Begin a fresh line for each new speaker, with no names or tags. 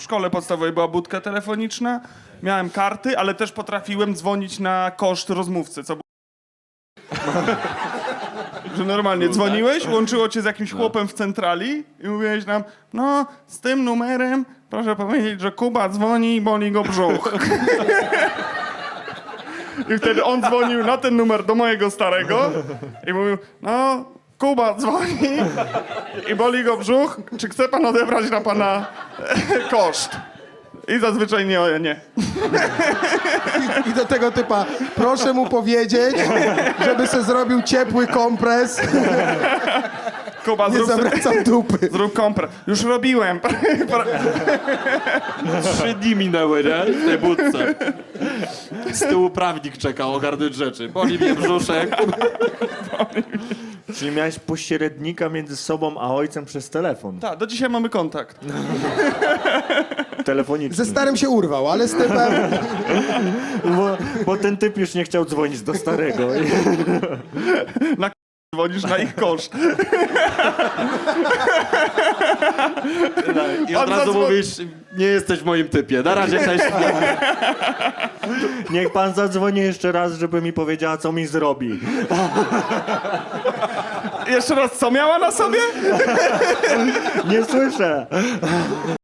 szkole podstawowej była budka telefoniczna, miałem karty, ale też potrafiłem dzwonić na koszt rozmówcy, co było... Że normalnie dzwoniłeś, łączyło cię z jakimś chłopem w centrali i mówiłeś nam, no, z tym numerem proszę powiedzieć, że Kuba dzwoni i boli go brzuch. I wtedy on dzwonił na ten numer do mojego starego i mówił, no, Kuba dzwoni i boli go brzuch, czy chce pan odebrać na pana koszt? I zazwyczaj nie.
I do tego typa, proszę mu powiedzieć, żeby se zrobił ciepły kompres,
Kuba,
nie zawracam dupy.
zrób kompres. Już robiłem.
3 dni minęły, nie? W tej budce. Z tyłu prawnik czekał ogarnąć rzeczy. Boli mnie brzuszek.
Czyli miałeś pośrednika między sobą a ojcem przez telefon
Tak, do dzisiaj mamy kontakt.
telefoniczny.
Ze starym się urwał, ale z typem...
Bo ten typ już nie chciał dzwonić do starego.
Dzwonisz na ich koszt.
I od razu mówisz, nie jesteś w moim typie. Na razie, cześć.
Niech pan zadzwoni jeszcze raz, żeby mi powiedziała, co mi zrobi.
Jeszcze raz, co miała na sobie?
Nie słyszę.